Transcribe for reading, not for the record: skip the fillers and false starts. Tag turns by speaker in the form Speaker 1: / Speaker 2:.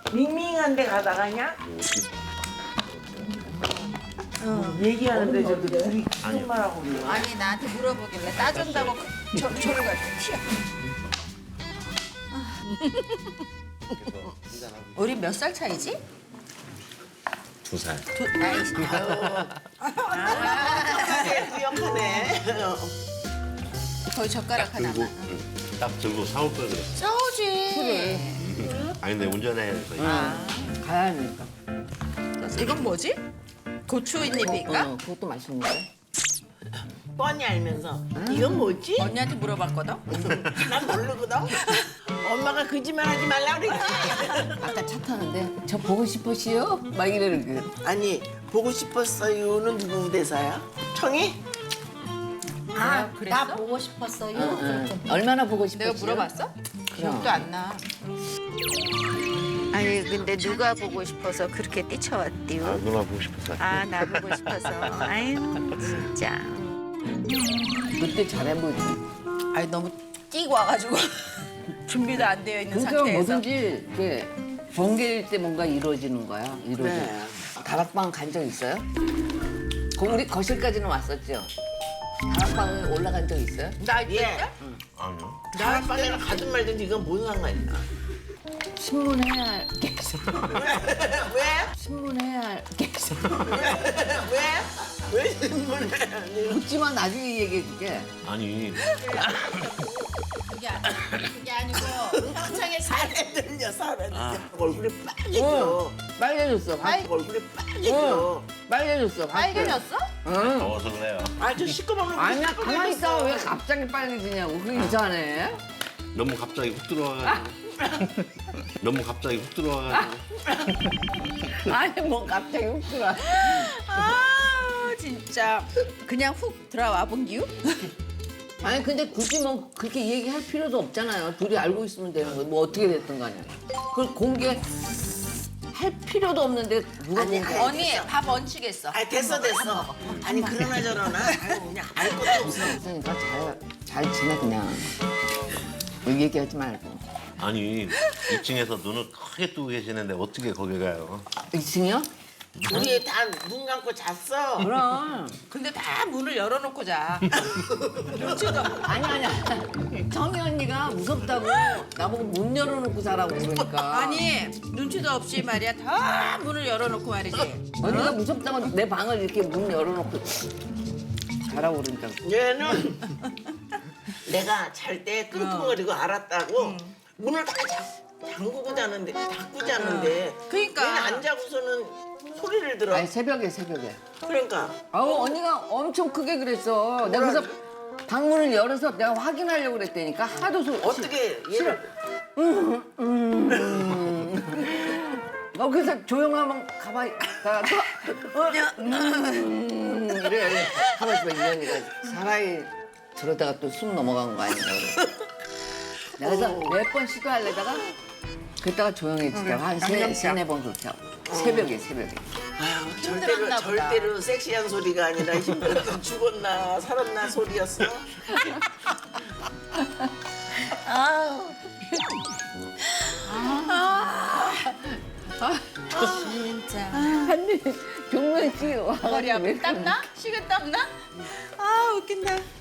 Speaker 1: 밍밍한 데 가다가냐? 얘기하는데 저도 둘이 무슨 말하고 그래.
Speaker 2: 아니 나한테 물어보길래 따준다고 저리 갈때 튀어. 우리 몇 살 차이지?
Speaker 3: 2살.
Speaker 2: 아이씨,
Speaker 1: 기억하네.
Speaker 2: 거의 젓가락
Speaker 3: 들고
Speaker 2: 하나만.
Speaker 3: 딱 들고 사올 걸 그랬어.
Speaker 2: 싸우지.
Speaker 3: 아니 근데 운전해야 돼서.
Speaker 4: 가야 하니까.
Speaker 2: 이건 뭐지? 고추잎입니까?
Speaker 4: 그것도 맛있는데.
Speaker 1: 뻔히 알면서 이건 뭐지?
Speaker 2: 언니한테 물어봤거든.
Speaker 1: 난 모르거든. 엄마가 거짓말하지 말라 그랬지.
Speaker 4: 아까 차 타는데 저 보고 싶으시요? 막 이러는 그.
Speaker 1: 아니 보고 싶었어요는 누구 대사야? 청이?
Speaker 2: 아, 그랬어?
Speaker 5: 나 보고 싶었어요.
Speaker 4: 얼마나 보고 싶으시요?
Speaker 2: 내가 물어봤어? 기억도 안 나. 아니 근데 누가 보고 싶어서 그렇게 뛰쳐왔디요?
Speaker 3: 아 누나 보고 싶었어.
Speaker 2: 아 나 보고 싶어서. 아유 진짜.
Speaker 4: 그때 잘해보지.
Speaker 2: 아니 너무 뛰고 와가지고 준비도 안 되어 있는
Speaker 4: 그러니까
Speaker 2: 상태에서.
Speaker 4: 뭐든지 이렇게 번개일 때 뭔가 이루어지는 거야. 이루어져.
Speaker 1: 네.
Speaker 4: 다락방 간 적 있어요? 우리 거실까지는 왔었죠. 다락방에 올라간 적 있어요?
Speaker 2: 나 이때?
Speaker 1: 예.
Speaker 3: 아니요.
Speaker 1: 다락방에는 가든 말든 이건 뭔 상관이야?
Speaker 4: 신문해야 할 게 있어.
Speaker 1: 왜?
Speaker 4: 신문해야 할 게 있어.
Speaker 1: 왜? 왜 질문해?
Speaker 4: 묻지만 나중에 얘기해줄게.
Speaker 3: 아니
Speaker 2: 그게 아니고 평창에
Speaker 1: 살에 들려 살에 들려. 얼굴이 빨개져.
Speaker 4: 빨개졌어.
Speaker 1: 얼굴이 빨개져.
Speaker 4: 빨개졌어.
Speaker 2: 빨개졌어?
Speaker 4: 응.
Speaker 3: 더워서 그래요.
Speaker 1: 아저 시꺼먼 얼굴
Speaker 4: 아니야, 가만히 있다가 왜 갑자기 빨개지냐고. 그게 이상하네.
Speaker 3: 너무 갑자기 훅 들어와가지고. 너무 갑자기 훅 들어와가지고.
Speaker 4: 아니, 뭐 갑자기 훅 들어와.
Speaker 2: 아 진짜 그냥 훅 들어와 본 기우?
Speaker 4: 아니, 근데 굳이 뭐 그렇게 얘기할 필요도 없잖아요. 둘이 알고 있으면 되는 거예요. 뭐 어떻게 됐든 간에. 그걸 공개할 필요도 없는데 누가
Speaker 1: 아니,
Speaker 4: 공개?
Speaker 2: 언니 밥 얹히겠어.
Speaker 1: 아 됐어. 아니 그러나 저러나 아유, 그냥 알 것도 없어.
Speaker 4: 그러니까 잘 지내 그냥. 뭐 얘기하지 말고.
Speaker 3: 아니 2층에서 눈을 크게 뜨고 계시는데 어떻게 거기 가요?
Speaker 4: 2층이요?
Speaker 1: 우리 다 눈 감고 잤어.
Speaker 4: 그럼.
Speaker 2: 근데 다 문을 열어놓고 자. 눈치도 없고.
Speaker 4: 아니야. 정희 언니가 무섭다고 나보고 문 열어놓고 자라고 그러니까.
Speaker 2: 아니 눈치도 없이 말이야 다 문을 열어놓고 말이지.
Speaker 4: 언니가 무섭다고 내 방을 이렇게 문 열어놓고 자라고 그러니까.
Speaker 1: 얘는 내가 잘 때 끙끙거리고 알았다고 문을 다 잠그고 자는데 닫고 자는데
Speaker 2: 그러니까.
Speaker 1: 얘는 안 자고서는 소리를 들어.
Speaker 4: 아니 새벽에.
Speaker 1: 그러니까
Speaker 4: 아우 언니가 엄청 크게 그랬어. 내가 그래서 방문을 열어서 내가 확인하려고 그랬다니까 하도
Speaker 1: 어떻게 얘를
Speaker 4: 그래서 조용하면 가만히 가서 이래 하고 있어. 이 언니가 사나이 저러다가 또 숨 넘어간 거 아닌가 그래. 내가 그래서 몇 번 시도하려다가 그랬다가 조용해지다가 한 세네 번 그렇게 하고 새벽에.
Speaker 1: 아유,
Speaker 2: 힘들었나 보다.
Speaker 1: 절대로 섹시한 소리가 아니라 힘들었던 죽었나 살았나 소리였어.
Speaker 2: 진짜.
Speaker 4: 아니 종면 씨
Speaker 2: 머리
Speaker 4: 와가지고
Speaker 2: 아프 땀나? 식은 땀나? 아 웃긴다.